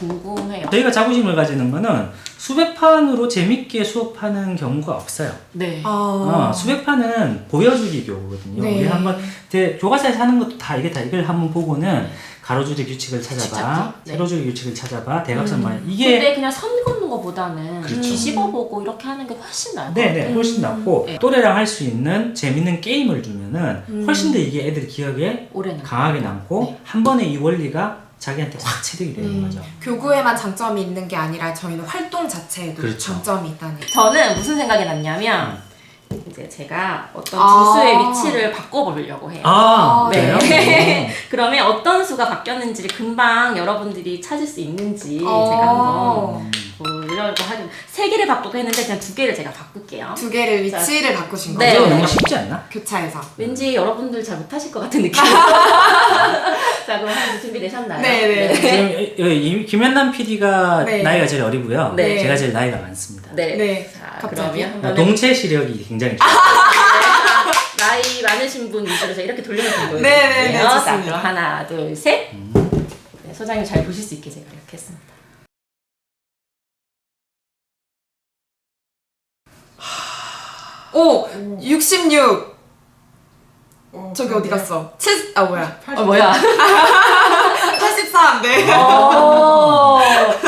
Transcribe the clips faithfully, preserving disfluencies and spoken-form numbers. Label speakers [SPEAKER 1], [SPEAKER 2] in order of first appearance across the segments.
[SPEAKER 1] 궁금해요.
[SPEAKER 2] 저희가 자부심을 가지는 거는 수백 판으로 재밌게 수업하는 경우가 없어요.
[SPEAKER 1] 네.
[SPEAKER 3] 아.
[SPEAKER 2] 어, 수백 판은 보여주기 교구거든요.
[SPEAKER 3] 네.
[SPEAKER 2] 우리 한번 대- 교과서에서 하는 것도 다 이게 다 이걸 한번 보고는 가로줄이 규칙을 찾아봐,
[SPEAKER 1] 네.
[SPEAKER 2] 세로줄이 규칙을 찾아봐, 대각선만
[SPEAKER 3] 음.
[SPEAKER 2] 이게
[SPEAKER 1] 근데 그냥 선 긋는 것보다는
[SPEAKER 2] 그렇죠.
[SPEAKER 1] 뒤집어보고 이렇게 하는 게 훨씬 나을 것
[SPEAKER 2] 네네
[SPEAKER 1] 같아요.
[SPEAKER 2] 훨씬 낫고
[SPEAKER 1] 네.
[SPEAKER 2] 또래랑 할 수 있는 재밌는 게임을 주면은
[SPEAKER 3] 음.
[SPEAKER 2] 훨씬 더 이게 애들 기억에
[SPEAKER 1] 올해는
[SPEAKER 2] 강하게 남고
[SPEAKER 1] 네.
[SPEAKER 2] 한 번에 이 원리가 자기한테 확 체득이 되는
[SPEAKER 3] 음.
[SPEAKER 2] 거죠.
[SPEAKER 3] 교구에만 장점이 있는 게 아니라 저희는 활동 자체에도
[SPEAKER 2] 그렇죠.
[SPEAKER 3] 장점이 있다는.
[SPEAKER 1] 저는 무슨 생각이 났냐면 이제 제가 어떤
[SPEAKER 3] 아.
[SPEAKER 1] 두수의 위치를 바꿔보려고 해요.
[SPEAKER 2] 아,
[SPEAKER 1] 네.
[SPEAKER 2] 그래요? 네.
[SPEAKER 1] 그러면 어떤 수가 바뀌었는지를 금방 여러분들이 찾을 수 있는지
[SPEAKER 3] 어.
[SPEAKER 1] 제가 한번 보려고 하긴 세 개를 바꾸고 했는데 그냥 두 개를 제가 바꿀게요.
[SPEAKER 3] 두 개를 위치를 바꾸신
[SPEAKER 1] 네.
[SPEAKER 3] 거죠?
[SPEAKER 2] 그거 너무 쉽지 않나?
[SPEAKER 3] 교차에서.
[SPEAKER 1] 왠지 여러분들 잘 못하실 것 같은 느낌. 자, 그럼 한번 준비되셨나요?
[SPEAKER 3] 네네.
[SPEAKER 2] 지금 이- 이 김현남 피디가
[SPEAKER 3] 네.
[SPEAKER 2] 나이가 제일 어리고요.
[SPEAKER 1] 네.
[SPEAKER 2] 제가 제일 나이가 많습니다.
[SPEAKER 1] 네.
[SPEAKER 3] 네.
[SPEAKER 1] 자,
[SPEAKER 3] 갑자기?
[SPEAKER 1] 그러면 한번
[SPEAKER 2] 동체 시력이 굉장히 좋아요.
[SPEAKER 1] 나이 많으신 분 위주로 제가 이렇게 돌려놓고 보여드릴게요.
[SPEAKER 3] 네네네,
[SPEAKER 1] 자,
[SPEAKER 3] 좋습니다.
[SPEAKER 1] 그럼 하나, 둘, 셋. 네, 소장님 잘 보실 수 있게 제가 이렇게 했습니다.
[SPEAKER 3] 오! 육십육! 저기 어디 갔어? 칠, 아 뭐야?
[SPEAKER 1] 어, 뭐야?
[SPEAKER 3] 팔십삼! 네.
[SPEAKER 1] 오,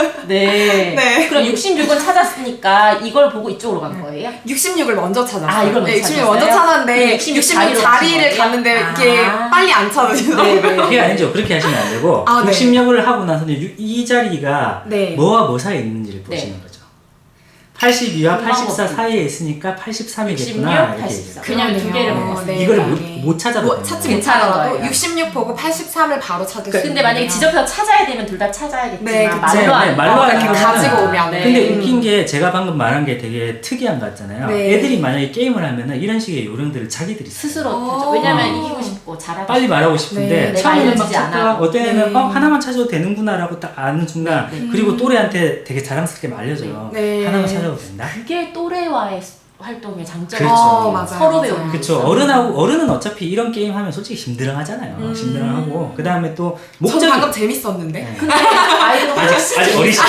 [SPEAKER 1] 네.
[SPEAKER 3] 네.
[SPEAKER 1] 그럼 육십육은 찾았으니까 이걸 보고 이쪽으로 간 거예요?
[SPEAKER 3] 육십육을 먼저 찾았어요.
[SPEAKER 1] 아, 이걸 먼저
[SPEAKER 3] 네, 육십육
[SPEAKER 1] 찾았어요?
[SPEAKER 3] 먼저 찾았는데
[SPEAKER 1] 육십육
[SPEAKER 3] 육십육
[SPEAKER 1] 자리로
[SPEAKER 3] 자리를
[SPEAKER 1] 가신 거예요?
[SPEAKER 3] 갔는데 이게
[SPEAKER 1] 아.
[SPEAKER 3] 빨리 안 찾으시더라고요.
[SPEAKER 1] 네, 네.
[SPEAKER 2] 그게 아니죠. 그렇게 하시면 안 되고
[SPEAKER 3] 아, 네.
[SPEAKER 2] 육십육을 하고 나서는 유- 이 자리가
[SPEAKER 3] 네.
[SPEAKER 2] 뭐와 뭐 사이에 있는지를
[SPEAKER 1] 네.
[SPEAKER 2] 보시는 거죠. 팔십이와
[SPEAKER 1] 그
[SPEAKER 2] 팔십사
[SPEAKER 1] 방법이-
[SPEAKER 2] 사이에 있으니까 팔십삼이겠구나.
[SPEAKER 1] 육십육,
[SPEAKER 2] 이렇게
[SPEAKER 1] 팔십사.
[SPEAKER 2] 얘기해요.
[SPEAKER 1] 그냥 두 개를
[SPEAKER 3] 그러네요.
[SPEAKER 1] 먹었어요.
[SPEAKER 3] 네,
[SPEAKER 2] 이거를
[SPEAKER 3] 네.
[SPEAKER 2] 못, 못 찾아도
[SPEAKER 3] 뭐
[SPEAKER 2] 되는
[SPEAKER 3] 찾지
[SPEAKER 2] 거예요.
[SPEAKER 3] 못하더라도
[SPEAKER 1] 거예요.
[SPEAKER 3] 육십육 보고 팔십삼을 바로 찾을 수 있는
[SPEAKER 1] 근데 만약에 지적해서 찾아야 되면 둘 다 찾아야겠지만
[SPEAKER 3] 네, 그쵸.
[SPEAKER 1] 말로
[SPEAKER 2] 네,
[SPEAKER 1] 안
[SPEAKER 2] 네, 말로 하는
[SPEAKER 3] 이렇게
[SPEAKER 2] 거는-
[SPEAKER 3] 가지고 오면.
[SPEAKER 1] 네.
[SPEAKER 2] 근데
[SPEAKER 3] 음.
[SPEAKER 2] 웃긴 게 제가 방금 말한 게 되게 특이한 것 같잖아요.
[SPEAKER 3] 네.
[SPEAKER 2] 애들이 만약에 게임을 하면은 이런 식의 요령들을 자기들이 써요.
[SPEAKER 1] 스스로
[SPEAKER 3] 어.
[SPEAKER 1] 하죠. 왜냐면 이기고 싶고 잘하고
[SPEAKER 2] 빨리
[SPEAKER 1] 싶고.
[SPEAKER 2] 말하고 싶은데
[SPEAKER 3] 네.
[SPEAKER 2] 처음에는
[SPEAKER 1] 내가
[SPEAKER 2] 막
[SPEAKER 1] 알려지지
[SPEAKER 2] 찾다가
[SPEAKER 1] 않아도.
[SPEAKER 2] 어떤 애는
[SPEAKER 3] 네.
[SPEAKER 2] 어, 하나만 찾아도 되는구나라고 딱 아는 순간
[SPEAKER 1] 네.
[SPEAKER 2] 그리고 또래한테 되게 자랑스럽게 말려줘요.
[SPEAKER 3] 네.
[SPEAKER 2] 하나만 찾아도 된다?
[SPEAKER 1] 그게 또래와의 활동의 장점이죠.
[SPEAKER 2] 그렇죠.
[SPEAKER 3] 어, 맞아요.
[SPEAKER 1] 서로
[SPEAKER 3] 맞아요.
[SPEAKER 1] 배우는
[SPEAKER 2] 그쵸.
[SPEAKER 1] 거죠.
[SPEAKER 2] 어른하고, 어른은 어차피 이런 게임 하면 솔직히 힘들어하잖아요.
[SPEAKER 3] 음.
[SPEAKER 2] 힘들어하고. 그 다음에 또
[SPEAKER 3] 전
[SPEAKER 2] 목적이.
[SPEAKER 3] 방금 재밌었는데.
[SPEAKER 2] 네.
[SPEAKER 1] 근데 아이들은
[SPEAKER 2] 아직,
[SPEAKER 1] 훨씬
[SPEAKER 2] 아직 어리시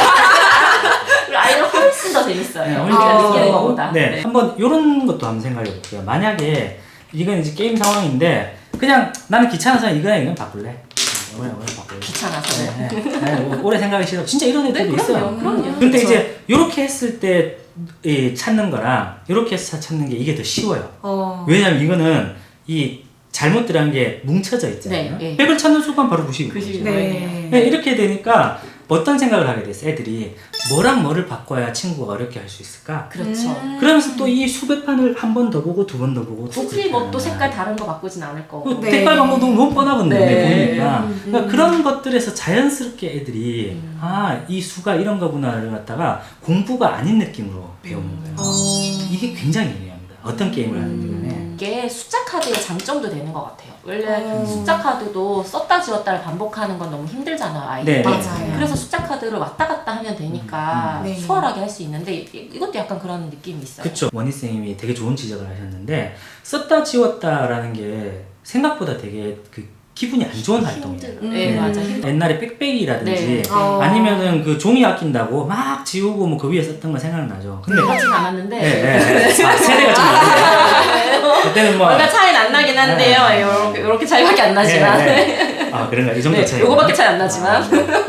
[SPEAKER 1] 우리 아이들은 훨씬 더 재밌어요.
[SPEAKER 2] 네,
[SPEAKER 1] 우리가
[SPEAKER 3] 아.
[SPEAKER 1] 느끼는 것보다.
[SPEAKER 2] 네. 한번 요런 것도 한번 생각해 볼게요. 만약에 이건 이제 게임 상황인데 그냥 나는 귀찮아서 이거랑 이건 바꿀래. 오늘 오늘 바꿀래.
[SPEAKER 1] 귀찮아서.
[SPEAKER 2] 네, 네. 네, 뭐 오래 생각이 싫어. 진짜 이런 애들도
[SPEAKER 1] 네,
[SPEAKER 2] 있어요.
[SPEAKER 1] 그럼요. 그럼요.
[SPEAKER 2] 근데
[SPEAKER 3] 그쵸.
[SPEAKER 2] 이제 요렇게 했을 때 이, 찾는 거랑 요렇게 해서 찾는 게 이게 더 쉬워요.
[SPEAKER 3] 어.
[SPEAKER 2] 왜냐면 이거는 이 잘못 들어간 게 뭉쳐져 있잖아요.
[SPEAKER 1] 네, 네.
[SPEAKER 2] 백을 찾는 순간 바로 구십이
[SPEAKER 1] 구십이.
[SPEAKER 2] 거죠.
[SPEAKER 3] 네.
[SPEAKER 2] 네, 이렇게 되니까 어떤 생각을 하게 됐어 애들이 뭐랑 뭐를 바꿔야 친구가 어렵게 할 수 있을까?
[SPEAKER 1] 그렇죠.
[SPEAKER 3] 음.
[SPEAKER 2] 그러면서 또 이 수백 판을 한 번 더 보고 두 번 더 보고 또
[SPEAKER 1] 굳이 뭐 또
[SPEAKER 2] 그렇게
[SPEAKER 1] 색깔
[SPEAKER 2] 하는
[SPEAKER 1] 다른 거 바꾸진 않을 거고.
[SPEAKER 2] 거야. 그
[SPEAKER 3] 네.
[SPEAKER 2] 색깔 방법도 너무 뻔하거든요.
[SPEAKER 1] 네.
[SPEAKER 2] 보니까
[SPEAKER 3] 음, 음.
[SPEAKER 2] 그러니까 그런 것들에서 자연스럽게 애들이
[SPEAKER 1] 음.
[SPEAKER 2] 아 이 수가 이런 거구나를 갖다가 공부가 아닌 느낌으로 배우는 거예요.
[SPEAKER 3] 어.
[SPEAKER 2] 이게 굉장히 중요합니다. 어떤 게임을 하는지 간에.
[SPEAKER 1] 음, 이게 숫자 카드의 장점도 되는 것 같아요. 원래
[SPEAKER 3] 음.
[SPEAKER 1] 숫자 카드도 썼다 지웠다를 반복하는 건 너무 힘들잖아요, 아이들.
[SPEAKER 2] 네,
[SPEAKER 3] 맞아요.
[SPEAKER 1] 그래서 숫자 카드를 왔다 갔다 하면 되니까
[SPEAKER 3] 음. 네.
[SPEAKER 1] 수월하게 할 수 있는데 이- 이것도 약간 그런 느낌이 있어요.
[SPEAKER 2] 그쵸. 원희 쌤이 되게 좋은 지적을 하셨는데 썼다 지웠다라는 게 생각보다 되게 그 기분이 안 좋은 활동이에요.
[SPEAKER 1] 힘들.
[SPEAKER 3] 음.
[SPEAKER 1] 네, 맞아.
[SPEAKER 2] 네.
[SPEAKER 1] 힘들.
[SPEAKER 2] 옛날에 빽빽이라든지
[SPEAKER 1] 네.
[SPEAKER 3] 어.
[SPEAKER 2] 아니면은 그 종이 아낀다고 막 지우고 뭐 그 위에 썼던 거 생각나죠. 근데
[SPEAKER 1] 그렇진 않았는데.
[SPEAKER 2] 네, 네, 네. 아, 세대가 좀 다르네. 그때는 뭐
[SPEAKER 1] 얼마 차이는 안 나긴 한데요.
[SPEAKER 2] 네.
[SPEAKER 1] 요렇게, 요렇게 차이밖에 안 나지만.
[SPEAKER 2] 네, 네. 아 그런가 이 정도
[SPEAKER 1] 네,
[SPEAKER 2] 차이.
[SPEAKER 1] 요거밖에 차이 안 나지만.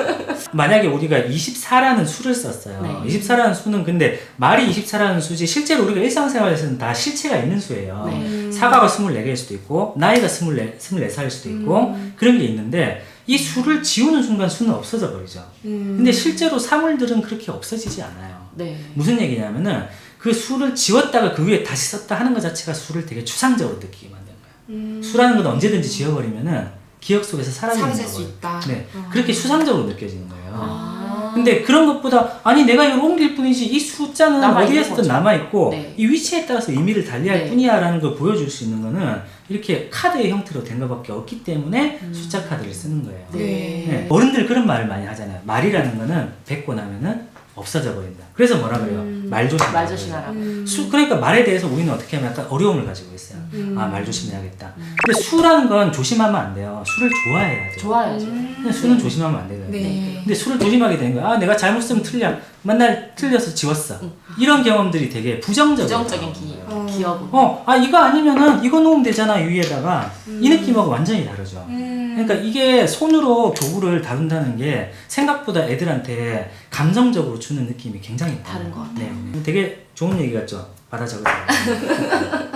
[SPEAKER 2] 만약에 우리가 이십사라는 수를 썼어요.
[SPEAKER 1] 네.
[SPEAKER 2] 이십사라는 수는 근데 말이 이십사라는 수지 실제로 우리가 일상생활에서는 다 실체가 있는 수예요.
[SPEAKER 1] 네.
[SPEAKER 3] 음.
[SPEAKER 2] 사과가 스물네 개일 수도 있고 나이가 스물네, 스물네 살일 수도 있고
[SPEAKER 3] 음.
[SPEAKER 2] 그런 게 있는데 이 수를 지우는 순간 수는 없어져 버리죠.
[SPEAKER 3] 음.
[SPEAKER 2] 근데 실제로 사물들은 그렇게 없어지지 않아요.
[SPEAKER 1] 네.
[SPEAKER 2] 무슨 얘기냐면은 그 수를 지웠다가 그 위에 다시 썼다 하는 것 자체가 수를 되게 추상적으로 느끼게 만드는 거예요.
[SPEAKER 3] 음.
[SPEAKER 2] 수라는 건 언제든지 지워버리면은 기억 속에서 사라지는
[SPEAKER 3] 사라질 수
[SPEAKER 2] 거거든요.
[SPEAKER 3] 있다.
[SPEAKER 2] 네,
[SPEAKER 3] 어.
[SPEAKER 2] 그렇게 수상적으로 느껴지는 거예요.
[SPEAKER 1] 아.
[SPEAKER 2] 근데 그런 것보다 아니 내가 이걸 옮길 뿐이지 이 숫자는
[SPEAKER 1] 남아있는
[SPEAKER 2] 어디에서든
[SPEAKER 1] 거죠.
[SPEAKER 2] 남아있고
[SPEAKER 1] 네.
[SPEAKER 2] 이 위치에 따라서 의미를 달리할
[SPEAKER 1] 네.
[SPEAKER 2] 뿐이야 라는 걸 보여줄 수 있는 거는 이렇게 카드의 형태로 된 것밖에 없기 때문에
[SPEAKER 1] 음.
[SPEAKER 2] 숫자 카드를 쓰는 거예요.
[SPEAKER 3] 네.
[SPEAKER 2] 네. 어른들 그런 말을 많이 하잖아요. 말이라는 거는 뱉고 나면은 없어져 버린다. 그래서 뭐라 그래요?
[SPEAKER 3] 음.
[SPEAKER 2] 말 조심.
[SPEAKER 1] 말 조심하라고.
[SPEAKER 3] 음.
[SPEAKER 2] 수, 그러니까 말에 대해서 우리는 어떻게 하면 약간 어려움을 가지고 있어요.
[SPEAKER 3] 음.
[SPEAKER 2] 아, 말 조심해야겠다. 근데 수라는 건 조심하면 안 돼요. 술을 좋아해야 돼요.
[SPEAKER 1] 좋아야죠.
[SPEAKER 2] 그냥 술은
[SPEAKER 1] 네.
[SPEAKER 2] 조심하면 안 되거든요.
[SPEAKER 3] 네.
[SPEAKER 1] 네.
[SPEAKER 2] 근데 술을 조심하게 되는 거야. 아, 내가 잘못 쓰면 틀려. 맨날 틀려서 지웠어. 이런 경험들이 되게 부정적이에요.
[SPEAKER 1] 부정적인 기,
[SPEAKER 3] 어.
[SPEAKER 1] 기억은.
[SPEAKER 2] 어, 아, 이거 아니면은 이거 놓으면 되잖아, 위에다가. 이 느낌하고 완전히 다르죠.
[SPEAKER 3] 음.
[SPEAKER 2] 그러니까 이게 손으로 교구를 다룬다는 게 생각보다 애들한테 감정적으로 주는 느낌이 굉장히
[SPEAKER 1] 다른 것 같아요.
[SPEAKER 2] 네. 되게 좋은 얘기 같죠? 받아 적으세요.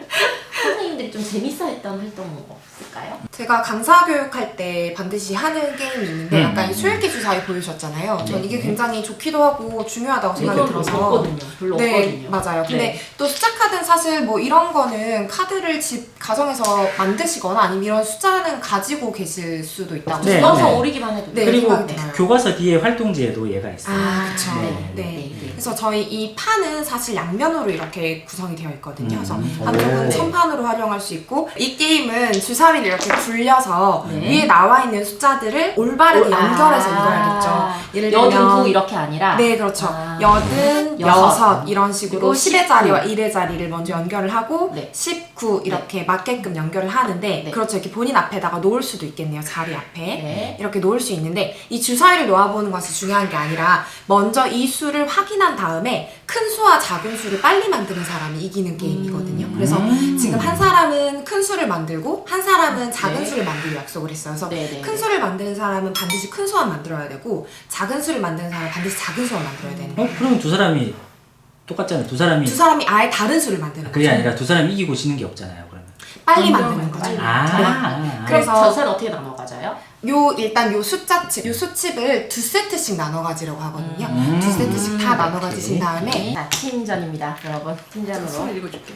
[SPEAKER 1] 선생님들이 좀 재밌어했던 활동 없을까요?
[SPEAKER 3] 제가 강사 교육할 때 반드시 하는 게임이 있는데
[SPEAKER 2] 음.
[SPEAKER 3] 약간 이 수일기 주사위 보여주셨잖아요. 전
[SPEAKER 2] 네.
[SPEAKER 3] 이게 굉장히 좋기도 하고 중요하다고 생각이
[SPEAKER 1] 이건
[SPEAKER 3] 들어서
[SPEAKER 1] 없거든요. 별로
[SPEAKER 3] 네,
[SPEAKER 1] 없거든요.
[SPEAKER 3] 맞아요. 근데
[SPEAKER 1] 네.
[SPEAKER 3] 또 숫자 카드는 사실 뭐 이런 거는 카드를 집 가정에서 만드시거나 아니면 이런 숫자는 가지고 계실 수도 있다고
[SPEAKER 2] 네,
[SPEAKER 1] 써서
[SPEAKER 2] 네.
[SPEAKER 1] 오리기만 해도
[SPEAKER 3] 네,
[SPEAKER 1] 돼요.
[SPEAKER 2] 그리고
[SPEAKER 3] 생각이 들어요.
[SPEAKER 2] 교과서 뒤에 활동지에도 얘가 있어요.
[SPEAKER 3] 아, 그쵸.
[SPEAKER 2] 네,
[SPEAKER 3] 네.
[SPEAKER 1] 네.
[SPEAKER 3] 그래서 저희 이 판은 사실 양면으로 이렇게 구성이 되어 있거든요. 그래서
[SPEAKER 2] 음.
[SPEAKER 3] 한쪽은
[SPEAKER 2] 오.
[SPEAKER 3] 천판으로 활용할 수 있고 이 게임은 주사위를 이렇게 굴려서
[SPEAKER 1] 네.
[SPEAKER 3] 위에 나와 있는 숫자들을 올바르게
[SPEAKER 1] 올-
[SPEAKER 3] 연결해서
[SPEAKER 1] 아.
[SPEAKER 3] 읽어야겠죠. 예를
[SPEAKER 1] 여든
[SPEAKER 3] 들면
[SPEAKER 1] 구 이렇게 아니라
[SPEAKER 3] 네, 그렇죠.
[SPEAKER 1] 아.
[SPEAKER 3] 여든,
[SPEAKER 1] 여섯.
[SPEAKER 3] 여섯 이런 식으로
[SPEAKER 1] 그리고
[SPEAKER 3] 십의
[SPEAKER 1] 십구.
[SPEAKER 3] 자리와 일의 자리를 먼저 연결을 하고
[SPEAKER 1] 네.
[SPEAKER 3] 십구 이렇게 맞게끔 연결을 하는데
[SPEAKER 1] 네.
[SPEAKER 3] 그렇죠. 이렇게 본인 앞에다가 놓을 수도 있겠네요. 자리 앞에.
[SPEAKER 1] 네.
[SPEAKER 3] 이렇게 놓을 수 있는데 이 주사위를 놓아보는 것이 중요한 게 아니라 먼저 이 수를 확인한 다음에 큰 수와 작은 수를 빨리 만드는 사람이 이기는 게임이거든요.
[SPEAKER 1] 음.
[SPEAKER 3] 그래서
[SPEAKER 2] 음.
[SPEAKER 3] 지금 한 사람은 큰 수를 만들고 한 사람은 작은
[SPEAKER 1] 네.
[SPEAKER 3] 수를 만들기로 약속을 했어요. 그래서
[SPEAKER 1] 네, 네,
[SPEAKER 3] 큰
[SPEAKER 1] 네.
[SPEAKER 3] 수를 만드는 사람은 반드시 큰 수만 만들어야 되고 작은 수를 만드는 사람은 반드시 작은 수만 만들어야 되는 거예요.
[SPEAKER 2] 어, 그러면 두 사람이 똑같잖아요. 두 사람이
[SPEAKER 3] 두 사람이 아예 다른 수를 만드는
[SPEAKER 2] 그게
[SPEAKER 3] 거죠.
[SPEAKER 2] 아니라 두 사람이 이기고 지는 게 없잖아요. 그러면.
[SPEAKER 3] 빨리
[SPEAKER 1] 먼저
[SPEAKER 3] 만드는 거죠.
[SPEAKER 1] 빨리.
[SPEAKER 2] 아, 아, 아.
[SPEAKER 3] 그래서-
[SPEAKER 1] 그래서 젖은 어떻게 나눠 가져요?
[SPEAKER 3] 요 일단 요 숫자칩, 요 수칩을 두 세트씩 나눠 가지려고 하거든요.
[SPEAKER 2] 음.
[SPEAKER 3] 두 세트씩 다
[SPEAKER 1] 음.
[SPEAKER 3] 나눠 가지신 다음에
[SPEAKER 1] 네. 자, 팀전입니다, 여러분. 팀전으로.
[SPEAKER 3] 수를 읽어줄게요.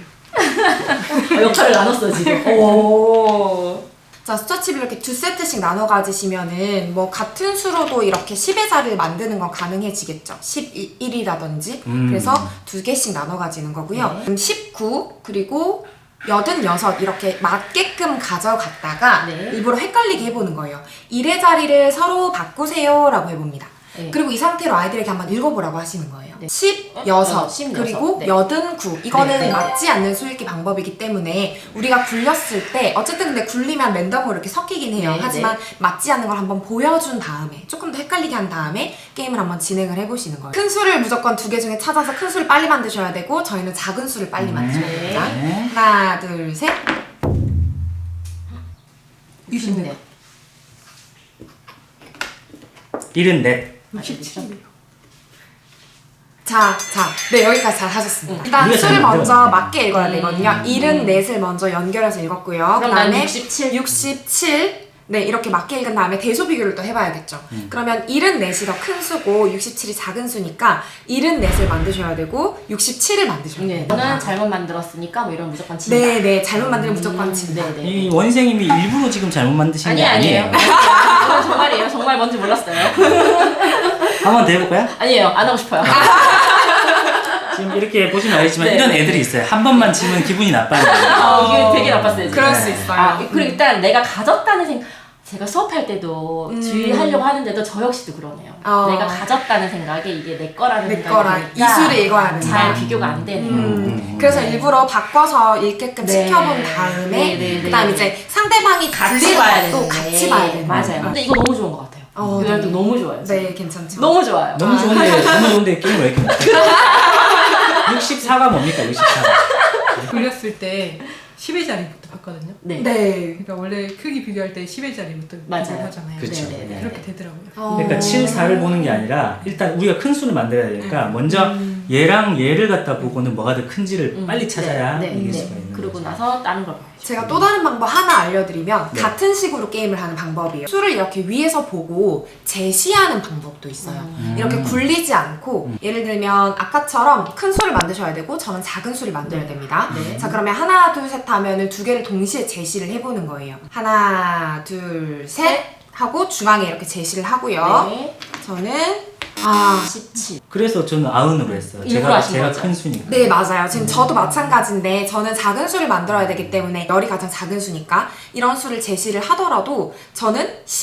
[SPEAKER 1] 어, 역할을 나눴어 지금. 오.
[SPEAKER 3] 자, 숫자칩을 이렇게 두 세트씩 나눠 가지시면은 뭐 같은 수로도 이렇게 십의 자리를 만드는 건 가능해지겠죠. 십일이라든지.
[SPEAKER 2] 음.
[SPEAKER 3] 그래서 두 개씩 나눠 가지는 거고요.
[SPEAKER 1] 네.
[SPEAKER 3] 음, 십구 그리고 여든여섯 이렇게 맞게끔 가져갔다가
[SPEAKER 1] 네.
[SPEAKER 3] 일부러 헷갈리게 해보는 거예요. 일의 자리를 서로 바꾸세요 라고 해봅니다.
[SPEAKER 1] 네.
[SPEAKER 3] 그리고 이 상태로 아이들에게 한번 읽어보라고 하시는 거예요.
[SPEAKER 1] 네.
[SPEAKER 3] 십여섯
[SPEAKER 1] 어, 십여섯.
[SPEAKER 3] 그리고
[SPEAKER 1] 네.
[SPEAKER 3] 여든구 이거는
[SPEAKER 1] 네, 네.
[SPEAKER 3] 맞지 않는 수읽기 방법이기 때문에 우리가 굴렸을 때 어쨌든 근데 굴리면 랜덤으로 이렇게 섞이긴 해요.
[SPEAKER 1] 네,
[SPEAKER 3] 하지만 맞지 않는 걸 한번 보여준 다음에 조금 더 헷갈리게 한 다음에 게임을 한번 진행을 해보시는 거예요. 큰 수를 무조건 두 개 중에 찾아서 큰 수를 빨리 만드셔야 되고 저희는 작은 수를 빨리 만드셔야
[SPEAKER 1] 네.
[SPEAKER 3] 됩니다.
[SPEAKER 2] 네.
[SPEAKER 3] 하나 둘 셋.
[SPEAKER 1] 육십네.
[SPEAKER 2] 일흔넷.
[SPEAKER 1] 육십칠.
[SPEAKER 3] 자, 자, 네 여기까지 잘 하셨습니다. 일단
[SPEAKER 2] 우리가 잘
[SPEAKER 3] 수를 먼저
[SPEAKER 2] 만들었네.
[SPEAKER 3] 맞게 읽어야 되거든요.
[SPEAKER 1] 음.
[SPEAKER 3] 일흔넷을 먼저 연결해서 읽었고요.
[SPEAKER 1] 그럼 난
[SPEAKER 3] 그다음에
[SPEAKER 1] 육십칠.
[SPEAKER 3] 육십칠. 네, 이렇게 맞게 읽은 다음에 대소 비교를 또 해봐야겠죠.
[SPEAKER 2] 음.
[SPEAKER 3] 그러면 일흔넷이 더 큰 수고 육십칠이 작은 수니까 일흔넷을 만드셔야 되고 육십칠을 만드셔야
[SPEAKER 1] 네.
[SPEAKER 3] 돼요.
[SPEAKER 1] 저는 잘못 만들었으니까 뭐 이런 무조건 진다.
[SPEAKER 3] 네, 네, 잘못 만들면 무조건
[SPEAKER 1] 음,
[SPEAKER 3] 진다.
[SPEAKER 1] 네, 네.
[SPEAKER 2] 이 원생님이 일부러 지금 잘못 만드신
[SPEAKER 1] 아니
[SPEAKER 2] 게
[SPEAKER 1] 아니에요.
[SPEAKER 2] 아니에요.
[SPEAKER 1] 이건 정말이에요. 정말 뭔지 몰랐어요.
[SPEAKER 2] 한번 더 해볼까요?
[SPEAKER 1] 아니에요. 안 하고 싶어요.
[SPEAKER 2] 지금 이렇게 보시면 알겠지만
[SPEAKER 1] 네.
[SPEAKER 2] 이런 애들이 있어요. 한 번만 치면 기분이 나빠요.
[SPEAKER 1] 아, 이게 되게 나빴어요. 지금.
[SPEAKER 3] 그럴 수
[SPEAKER 2] 네.
[SPEAKER 3] 있어요.
[SPEAKER 1] 아, 그리고 일단 내가 가졌다는 생각. 제가 수업할 때도
[SPEAKER 3] 음.
[SPEAKER 1] 주의하려고 하는데도 저 역시도 그러네요.
[SPEAKER 3] 어.
[SPEAKER 1] 내가 가졌다는 생각에 이게 내 거라는
[SPEAKER 3] 내
[SPEAKER 1] 생각이
[SPEAKER 3] 거랑
[SPEAKER 1] 드니까
[SPEAKER 3] 이수를 읽어야 된다.
[SPEAKER 1] 잘 비교가 안 되네요.
[SPEAKER 3] 음,
[SPEAKER 2] 음.
[SPEAKER 3] 그래서
[SPEAKER 1] 네.
[SPEAKER 3] 일부러 바꿔서 읽게끔
[SPEAKER 1] 네.
[SPEAKER 3] 시켜본 다음에
[SPEAKER 1] 네, 네, 네.
[SPEAKER 3] 그다음 이제 상대방이
[SPEAKER 1] 같이
[SPEAKER 3] 굴리는
[SPEAKER 1] 봐야
[SPEAKER 3] 것도
[SPEAKER 1] 되는데.
[SPEAKER 3] 같이 봐야 되는
[SPEAKER 1] 맞아요.
[SPEAKER 3] 거예요.
[SPEAKER 1] 근데 이거 너무 좋은 것 같아요.
[SPEAKER 3] 어,
[SPEAKER 1] 이 활동
[SPEAKER 3] 네.
[SPEAKER 1] 너무 좋아요. 지금.
[SPEAKER 3] 네, 괜찮죠.
[SPEAKER 1] 너무 좋아요.
[SPEAKER 2] 너무 좋은데 너무 좋은데 게임을 왜 이렇게 못해? 육십사가 뭡니까? 육십사.
[SPEAKER 4] 굴렸을 때 십의 자리부터 봤거든요.
[SPEAKER 1] 네.
[SPEAKER 3] 네.
[SPEAKER 4] 그러니까 원래 크기 비교할 때 십의 자리부터
[SPEAKER 1] 맞아요.
[SPEAKER 4] 비교를 하잖아요.
[SPEAKER 2] 그쵸.
[SPEAKER 1] 네, 네, 네.
[SPEAKER 4] 그렇게 되더라고요.
[SPEAKER 3] 어.
[SPEAKER 2] 그러니까 칠, 사를 보는 게 아니라 일단 우리가 큰 수를 만들어야 되니까 먼저 얘랑 얘를 갖다 보고는 뭐가 더 큰지를
[SPEAKER 1] 음,
[SPEAKER 2] 빨리 찾아야
[SPEAKER 1] 네, 네,
[SPEAKER 2] 이길
[SPEAKER 1] 네.
[SPEAKER 2] 수가 있는
[SPEAKER 1] 그러고
[SPEAKER 2] 거죠.
[SPEAKER 1] 나서 다른 걸 봐야죠.
[SPEAKER 3] 제가 또 다른 방법 하나 알려드리면
[SPEAKER 2] 네.
[SPEAKER 3] 같은 식으로 게임을 하는 방법이에요. 수를 이렇게 위에서 보고 제시하는 방법도 있어요.
[SPEAKER 1] 음.
[SPEAKER 3] 이렇게 굴리지 않고 예를 들면 아까처럼 큰 수를 만드셔야 되고 저는 작은 수를 만들어야 됩니다.
[SPEAKER 1] 네.
[SPEAKER 3] 자 그러면 하나 둘 셋 하면은 두 개를 동시에 제시를 해보는 거예요. 하나 둘 셋 하고 중앙에 이렇게 제시를 하고요.
[SPEAKER 1] 네.
[SPEAKER 3] 저는 아
[SPEAKER 1] 십칠.
[SPEAKER 2] 그래서 저는 아흔으로 했어요.
[SPEAKER 1] 일부러
[SPEAKER 2] 제가
[SPEAKER 1] 하신
[SPEAKER 2] 제가
[SPEAKER 1] 거죠?
[SPEAKER 2] 큰 수니까.
[SPEAKER 3] 네 맞아요. 지금 저도 마찬가지인데 저는 작은 수를 만들어야 되기 때문에 열이 가장 작은 수니까 이런 수를 제시를 하더라도 저는 십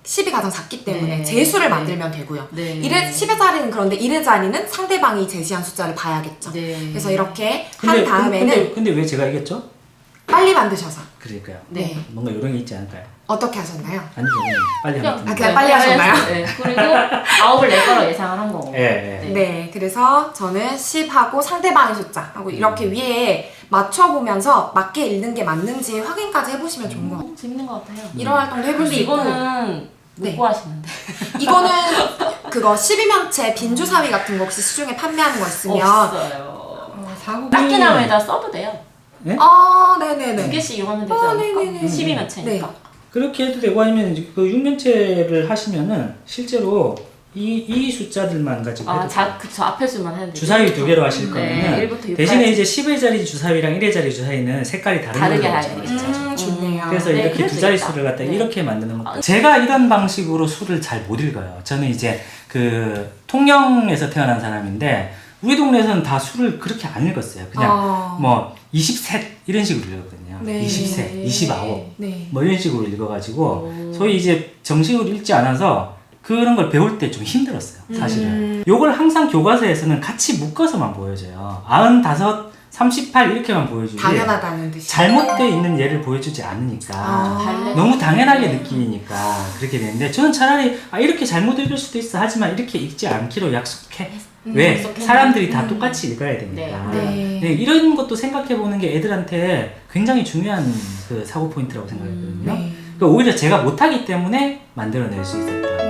[SPEAKER 3] 십이 가장 작기 때문에
[SPEAKER 1] 네.
[SPEAKER 3] 제수를
[SPEAKER 1] 네.
[SPEAKER 3] 만들면 되고요.
[SPEAKER 1] 네.
[SPEAKER 3] 일의 십의 자리는 그런데 일의 자리는 상대방이 제시한 숫자를 봐야겠죠.
[SPEAKER 1] 네.
[SPEAKER 3] 그래서 이렇게
[SPEAKER 2] 근데,
[SPEAKER 3] 한 다음에는
[SPEAKER 2] 근데, 근데 왜 제가 이겼죠?
[SPEAKER 3] 빨리 만드셔서.
[SPEAKER 2] 그러니까요.
[SPEAKER 3] 네.
[SPEAKER 2] 뭔가 요령이 있지 않을까요?
[SPEAKER 3] 어떻게 하셨나요?
[SPEAKER 2] 아니죠. 그냥 빨리
[SPEAKER 1] 그냥,
[SPEAKER 2] 하면
[SPEAKER 3] 아, 그냥 빨리 하셨나요?
[SPEAKER 1] 네. 그리고 아홉을 낼 거라 예상을 한 거고.
[SPEAKER 2] 예, 예.
[SPEAKER 1] 네.
[SPEAKER 3] 네, 그래서 저는 십하고 상대방의 숫자 하고 이렇게
[SPEAKER 2] 음.
[SPEAKER 3] 위에 맞춰보면서 맞게 읽는 게 맞는지 확인까지 해보시면 좋은 것 같아요.
[SPEAKER 1] 어, 재밌는 것 같아요.
[SPEAKER 3] 이런 활동도 해볼 수
[SPEAKER 1] 근데
[SPEAKER 3] 있고
[SPEAKER 1] 이거는 못
[SPEAKER 3] 네.
[SPEAKER 1] 구하시는데.
[SPEAKER 3] 이거는 그거 십이면체 빈주사위 같은 거 혹시 시중에 판매하는 거 있으면
[SPEAKER 1] 없어요.
[SPEAKER 4] 어, 사고
[SPEAKER 1] 딱지나무에다 써도 돼요.
[SPEAKER 3] 아, 네네네.
[SPEAKER 1] 두 개씩 이용하면 되지
[SPEAKER 3] 아,
[SPEAKER 1] 않을까?
[SPEAKER 3] 네네네.
[SPEAKER 1] 십이면 채니까.
[SPEAKER 2] 그렇게 해도 되고 아니면 이제 그 육면체를 하시면은 실제로 이, 이 숫자들만 가지고
[SPEAKER 1] 아,
[SPEAKER 2] 해도
[SPEAKER 1] 자,
[SPEAKER 2] 돼요.
[SPEAKER 1] 그쵸. 앞에 수만 해도 되죠.
[SPEAKER 2] 주사위 두 개로 하실
[SPEAKER 1] 네,
[SPEAKER 2] 거면은
[SPEAKER 1] 일부터 육까지.
[SPEAKER 2] 대신에 이제 십의 자리 주사위랑 일의 자리 주사위는 색깔이 다른
[SPEAKER 1] 다르게
[SPEAKER 2] 걸로
[SPEAKER 1] 해야
[SPEAKER 2] 하죠.
[SPEAKER 1] 되겠죠.
[SPEAKER 3] 음, 좋네요.
[SPEAKER 2] 그래서
[SPEAKER 1] 네,
[SPEAKER 2] 이렇게
[SPEAKER 1] 그럴
[SPEAKER 2] 두
[SPEAKER 1] 수
[SPEAKER 2] 자리
[SPEAKER 1] 있다.
[SPEAKER 2] 수를 갖다
[SPEAKER 1] 네.
[SPEAKER 2] 이렇게 만드는 거. 제가 이런 방식으로 수를 잘 못 읽어요. 저는 이제 그 통영에서 태어난 사람인데 우리 동네에서는 다 수를 그렇게 안 읽었어요. 그냥
[SPEAKER 3] 아.
[SPEAKER 2] 뭐 이십삼 이런 식으로 읽었거든요.
[SPEAKER 3] 네.
[SPEAKER 2] 이십삼, 이십구
[SPEAKER 3] 네.
[SPEAKER 2] 뭐 이런 식으로 읽어가지고
[SPEAKER 1] 오.
[SPEAKER 2] 소위 이제 정식으로 읽지 않아서 그런 걸 배울 때 좀 힘들었어요. 사실은.
[SPEAKER 3] 음.
[SPEAKER 2] 요걸 항상 교과서에서는 같이 묶어서만 보여줘요. 아흔다섯, 삼십팔 이렇게만 보여주지.
[SPEAKER 3] 당연하다는 듯이.
[SPEAKER 2] 잘못되어 있는 예를 보여주지 않으니까.
[SPEAKER 3] 아.
[SPEAKER 1] 발레.
[SPEAKER 2] 너무 당연하게 느끼니까 그렇게 되는데 저는 차라리 아 이렇게 잘못 읽을 수도 있어 하지만 이렇게 읽지 않기로 약속해.
[SPEAKER 3] 음,
[SPEAKER 2] 왜?
[SPEAKER 1] 약속해.
[SPEAKER 2] 사람들이 다
[SPEAKER 3] 음.
[SPEAKER 2] 똑같이 읽어야 되니까.
[SPEAKER 1] 네.
[SPEAKER 3] 네.
[SPEAKER 2] 네, 이런 것도 생각해 보는 게 애들한테 굉장히 중요한 그 사고 포인트라고 생각했거든요.
[SPEAKER 3] 네.
[SPEAKER 2] 그러니까 오히려 제가 못하기 때문에 만들어낼 수 있었다.